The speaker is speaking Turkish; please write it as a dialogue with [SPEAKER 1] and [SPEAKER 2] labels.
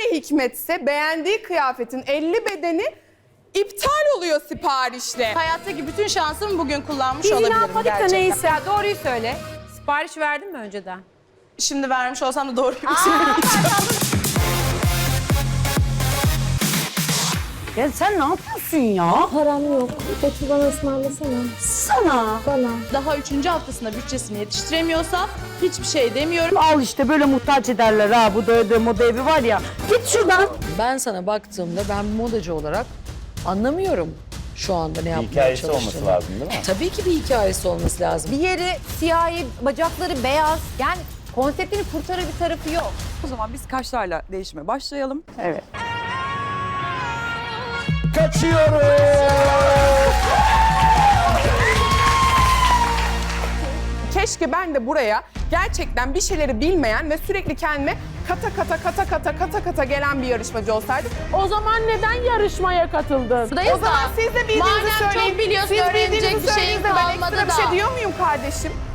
[SPEAKER 1] hikmetse beğendiği kıyafetin 50 bedeni iptal oluyor siparişle.
[SPEAKER 2] Hayattaki bütün şansımı bugün kullanmış
[SPEAKER 3] Biz
[SPEAKER 2] olabilirim
[SPEAKER 3] inanmadık da
[SPEAKER 2] gerçekten.
[SPEAKER 3] neyse. Ya doğruyu söyle. Sipariş verdin mi önceden?
[SPEAKER 2] Şimdi vermiş olsam da doğruyu söyleyeceğim.
[SPEAKER 3] Ya sen ne yapıyorsun ya?
[SPEAKER 4] Param yok. Betül bana ısmarlasana.
[SPEAKER 3] Sana.
[SPEAKER 4] Bana.
[SPEAKER 2] Daha 3. haftasında bütçesini yetiştiremiyorsa hiçbir şey demiyorum.
[SPEAKER 3] Al işte böyle muhtaç ederler ha bu da moda evi var ya. Git şuradan.
[SPEAKER 5] Ben sana baktığımda ben modacı olarak anlamıyorum şu anda ne yapmaya
[SPEAKER 6] Hikayesi
[SPEAKER 5] çalıştığını.
[SPEAKER 6] olması lazım değil mi?
[SPEAKER 5] Tabii ki bir hikayesi olması lazım.
[SPEAKER 3] Bir yeri siyahi, bacakları beyaz. Yani konseptini kurtarır bir tarafı yok.
[SPEAKER 7] O zaman biz kaşlarla değişime başlayalım.
[SPEAKER 3] Evet.
[SPEAKER 6] Kaçıyoruz!
[SPEAKER 1] Keşke ben de buraya gerçekten bir şeyleri bilmeyen ve sürekli kendime kata gelen bir yarışmacı olsaydım.
[SPEAKER 8] O zaman neden yarışmaya katıldın?
[SPEAKER 1] O zaman siz de bildiğinizi
[SPEAKER 2] Madem
[SPEAKER 1] söyleyin.
[SPEAKER 2] çok biliyorsun,
[SPEAKER 1] Siz
[SPEAKER 2] öğrenecek
[SPEAKER 1] bildiğinizi
[SPEAKER 2] bir şeyin
[SPEAKER 1] söyleyin de ben
[SPEAKER 2] kalmadı
[SPEAKER 1] ekstra bir şey
[SPEAKER 2] da.
[SPEAKER 1] diyor muyum kardeşim?